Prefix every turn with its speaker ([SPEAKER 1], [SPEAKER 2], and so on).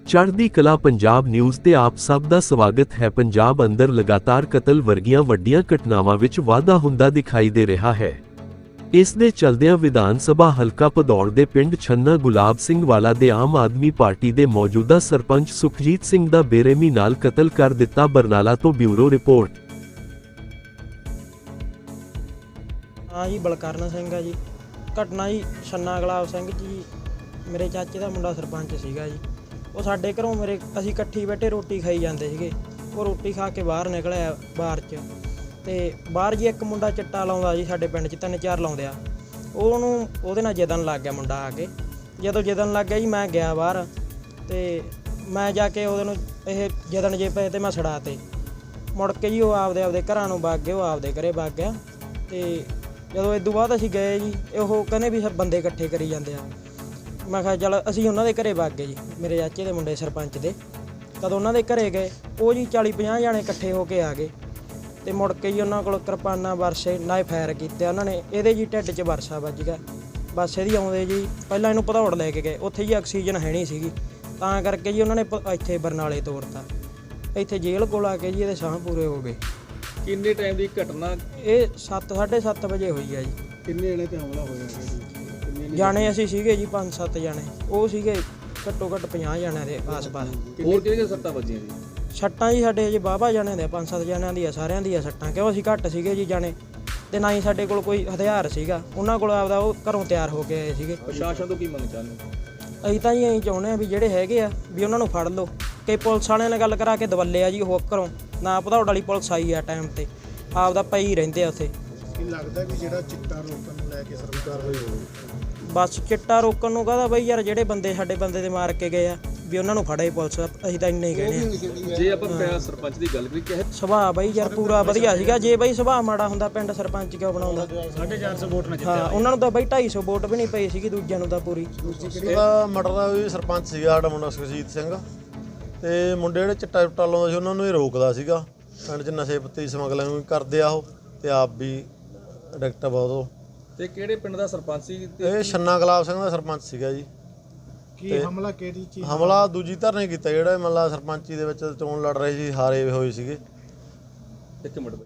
[SPEAKER 1] ਚੜ੍ਹਦੀ ਕਲਾ ਪੰਜਾਬ ਨਿਊਜ਼ ਤੇ ਆਪ ਸਭ ਦਾ ਸਵਾਗਤ ਹੈ। ਪੰਜਾਬ ਅੰਦਰ ਲਗਾਤਾਰ ਕਤਲ ਵਰਗੀਆਂ ਵੱਡੀਆਂ ਘਟਨਾਵਾਂ ਵਿੱਚ ਵਾਧਾ ਹੁੰਦਾ ਦਿਖਾਈ ਦੇ ਰਿਹਾ ਹੈ। ਇਸ ਦੇ ਚਲਦਿਆਂ ਵਿਧਾਨ ਸਭਾ ਹਲਕਾ ਭਦੌੜ ਦੇ ਪਿੰਡ ਛੰਨਾ ਗੁਲਾਬ ਸਿੰਘ ਵਾਲਾ ਦੇ ਆਮ ਆਦਮੀ ਪਾਰਟੀ ਦੇ ਮੌਜੂਦਾ ਸਰਪੰਚ ਸੁਖਜੀਤ ਸਿੰਘ ਦਾ ਬੇਰਹਿਮੀ ਨਾਲ ਕਤਲ ਕਰ ਦਿੱਤਾ। ਬਰਨਾਲਾ ਤੋਂ ਬਿਊਰੋ ਰਿਪੋਰਟ।
[SPEAKER 2] हाँ जी बलकरण सिंह है जी। घटना जी छन्ना गुलाब सिंह जी मेरे चाचे का मुंडा सरपंच सीगा जी। वो साडे घरों मेरे असीं इकट्ठी बैठे रोटी खाई जाते सीगे। वो रोटी खा के बाहर निकलिया बाहर च ते बाहर जी एक मुंडा चिट्टा लाउंदा जी साडे पिंड च 3-4 लाउंदे आ। ਉਹਨੂੰ ਉਹਦੇ ਨਾਲ ਜਿੱਦਣ ਲੱਗ ਗਿਆ ਮੁੰਡਾ ਆ ਕੇ। ਜਦੋਂ ਜਿੱਦਣ ਲੱਗ ਗਿਆ ਜੀ ਮੈਂ ਗਿਆ ਬਾਹਰ ਤੇ ਮੈਂ ਜਾ ਕੇ ਉਹਦੇ ਨੂੰ ਇਹ ਜਿੱਦਣ ਜੇ ਪਏ ਤੇ ਮੈਂ ਛੜਾ ਤੇ ਮੁੜ ਕੇ ਜੀ ਉਹ ਆਪਦੇ ਘਰਾਂ ਨੂੰ ਵਗ ਗਏ। ਉਹ ਆਪਦੇ ਘਰੇ ਵਗ ਗਿਆ ਤੇ ਜਦੋਂ ਇਸ ਤੋਂ ਬਾਅਦ ਅਸੀਂ ਗਏ ਜੀ ਉਹ ਕਹਿੰਦੇ ਵੀ ਬੰਦੇ ਇਕੱਠੇ ਕਰੀ ਜਾਂਦੇ ਆ। ਮੈਂ ਕਿਹਾ ਚੱਲ ਅਸੀਂ ਉਹਨਾਂ ਦੇ ਘਰੇ ਵਗ ਗਏ ਜੀ, ਮੇਰੇ ਚਾਚੇ ਦੇ ਮੁੰਡੇ ਸਰਪੰਚ ਦੇ। ਕਦੋਂ ਉਹਨਾਂ ਦੇ ਘਰੇ ਗਏ ਉਹ ਜੀ 40-50 ਜਾਣੇ ਇਕੱਠੇ ਹੋ ਕੇ ਆ ਗਏ ਤੇ ਮੁੜ ਕੇ ਜੀ ਉਹਨਾਂ ਕੋਲ ਕਿਰਪਾਨਾਂ ਵਰਸੇ ਨਾਲ ਫਾਇਰ ਕੀਤੇ ਉਹਨਾਂ ਨੇ। ਇਹਦੇ ਜੀ ਢਿੱਡ 'ਚ ਵਰਸਾ ਵੱਜ ਗਿਆ। ਬਸ ਇਹਦੀ ਆਉਂਦੇ ਜੀ ਪਹਿਲਾਂ ਇਹਨੂੰ ਭਦੌੜ ਲੈ ਕੇ ਗਏ। ਉੱਥੇ ਜੀ ਆਕਸੀਜਨ ਹੈ ਨਹੀਂ ਸੀਗੀ ਤਾਂ ਕਰਕੇ ਜੀ ਉਹਨਾਂ ਨੇ ਇੱਥੇ ਬਰਨਾਲੇ ਤੋਰਤਾ। ਇੱਥੇ ਜੇਲ੍ਹ ਕੋਲ ਆ ਕੇ ਜੀ ਇਹਦੇ ਸਾਹ ਪੂਰੇ ਹੋ ਗਏ।
[SPEAKER 3] ਕਿੰਨੇ ਟਾਈਮ ਦੀ ਘਟਨਾ?
[SPEAKER 2] ਇਹ 7-7:30 ਵਜੇ ਹੋਈ ਆ ਜੀ।
[SPEAKER 3] ਕਿੰਨੇ ਜਣੇ ਤੇ ਹਮਲਾ ਹੋਇਆ?
[SPEAKER 2] ਜਾਣੇ ਅਸੀਂ ਸੀਗੇ ਜੀ 5-7 ਜਾਣੇ। ਉਹ ਸੀਗੇ ਘੱਟੋ ਘੱਟ 50 ਜਾਣਿਆਂ ਦੇ ਆਸ-ਪਾਸ।
[SPEAKER 3] ਹੋਰ ਕਿਹਦੇ ਸੱਟਾਂ ਵੱਜੀਆਂ ਜੀ?
[SPEAKER 2] ਸੱਟਾਂ ਜੀ ਸਾਡੇ ਜੀ ਬਾਬਾ ਜਾਣੇ ਦੇ 5-7 ਜਾਣਿਆਂ ਦੀਆਂ ਸਾਰਿਆਂ ਦੀਆਂ ਸੱਟਾਂ, ਕਿਉਂ ਅਸੀਂ ਘੱਟ ਸੀਗੇ ਜੀ ਜਾਣੇ ਤੇ ਨਾ ਹੀ ਸਾਡੇ ਕੋਲ ਕੋਈ ਹਥਿਆਰ ਸੀਗਾ। ਉਹਨਾਂ ਕੋਲ ਆਪਦਾ ਉਹ ਘਰੋਂ ਤਿਆਰ ਹੋ ਕੇ ਆਏ ਸੀਗੇ।
[SPEAKER 3] ਪ੍ਰਸ਼ਾਸਨ ਤੋਂ ਕੀ ਮੰਗ ਚਾਹੁੰਦੇ?
[SPEAKER 2] ਅਸੀਂ ਤਾਂ ਜੀ ਇਹੀ ਚਾਹੁੰਦੇ ਆ ਵੀ ਜਿਹੜੇ ਹੈਗੇ ਆ ਵੀ ਉਹਨਾਂ ਨੂੰ ਫੜ ਲਓ। ਕਿ ਪੁਲਿਸ ਵਾਲਿਆਂ ਨਾਲ ਗੱਲ ਕਰਾ ਕੇ ਦਵੱਲੇ ਆ ਜੀ ਉਹ ਘਰੋਂ ਨਾ ਭਦੌੜ ਵਾਲੀ ਪੁਲਿਸ ਆਈ ਆ ਟਾਈਮ ਤੇ ਆਪਦਾ ਪਈ ਰਹਿੰਦੇ ਆ ਉੱਥੇ।
[SPEAKER 4] ਕੀ ਲੱਗਦਾ ਵੀ ਜਿਹੜਾ ਚਿੱਟਾ ਰੋਕਣ ਨੂੰ ਲੈ ਕੇ ਸਰਕਾਰ ਹੋਈ ਹੋਵੇ?
[SPEAKER 2] ਬਸ ਚਿੱਟਾ ਰੋਕਣ ਨੂੰ ਕਹਦਾ ਬਈ ਯਾਰ ਜਿਹੜੇ ਬੰਦੇ ਸਾਡੇ ਬੰਦੇ ਦੇ ਮਾਰ ਕੇ ਗਏ ਆ ਵੀ ਉਹਨਾਂ ਨੂੰ ਫੜੇ ਪੁਲਿਸ। ਅਸੀਂ ਤਾਂ ਇੰਨੇ ਹੀ ਕਹਿੰਦੇ ਆ।
[SPEAKER 3] ਜੇ ਆਪਾਂ ਸਰਪੰਚ ਦੀ ਗੱਲ ਕਰੀ ਕਿ
[SPEAKER 2] ਸੁਭਾਅ ਬਈ ਯਾਰ ਪੂਰਾ ਵਧੀਆ ਸੀਗਾ। ਜੇ ਬਈ ਸੁਭਾਅ ਮਾੜਾ ਹੁੰਦਾ ਪਿੰਡ ਸਰਪੰਚ ਕਿਉਂ ਬਣਾਉਂਦਾ?
[SPEAKER 4] 450 ਵੋਟ ਨਾਲ
[SPEAKER 2] ਹਾਂ ਉਹਨਾਂ ਨੂੰ ਤਾਂ ਬਈ 250 ਵੋਟ ਵੀ ਨਹੀਂ ਪਈ ਸੀਗੀ, ਦੂਜਿਆਂ ਨੂੰ ਤਾਂ ਪੂਰੀ।
[SPEAKER 5] ਇਹਦਾ ਮਟਰ ਦਾ ਵੀ ਸਰਪੰਚ ਸੀਗਾ ਸਾਡਾ ਮੁੰਡਾ ਸੁਖਜੀਤ ਸਿੰਘ ਤੇ ਮੁੰਡੇ ਜਿਹੜੇ ਚਿੱਟਾ ਚੁੱਟਾ ਲਾਉਂਦੇ ਸੀ ਉਹਨਾਂ ਨੂੰ ਹੀ ਰੋਕਦਾ ਸੀਗਾ। ਪਿੰਡ 'ਚ ਨਸ਼ੇ ਪੱਤੇ ਦੀ ਸਮਗਲਿੰਗ ਵੀ ਕਰਦੇ ਆ ਉਹ ਤੇ ਆਪ ਵੀ ਐਡਿਕਟ ਆ ਬਹੁਤ ਉਹ।
[SPEAKER 3] ਤੇ ਕਿਹੜੇ ਪਿੰਡ ਦਾ ਸਰਪੰਚ ਸੀ?
[SPEAKER 5] ਇਹ ਛੰਨਾ ਗੁਲਾਬ ਸਿੰਘ ਦਾ ਸਰਪੰਚ ਸੀਗਾ ਜੀ।
[SPEAKER 4] ਕੀ ਹਮਲਾ ਕਿਹੜੀ ਚੀਜ਼?
[SPEAKER 5] ਹਮਲਾ ਦੂਜੀ ਧਿਰ ਨੇ ਕੀਤਾ, ਜਿਹੜਾ ਮਤਲਬ ਸਰਪੰਚੀ ਦੇ ਵਿੱਚ ਚੋਣ ਲੜ ਰਹੇ ਸੀ, ਹਾਰੇ ਹੋਏ ਸੀਗੇ।
[SPEAKER 3] ਇੱਕ ਮਿੰਟ।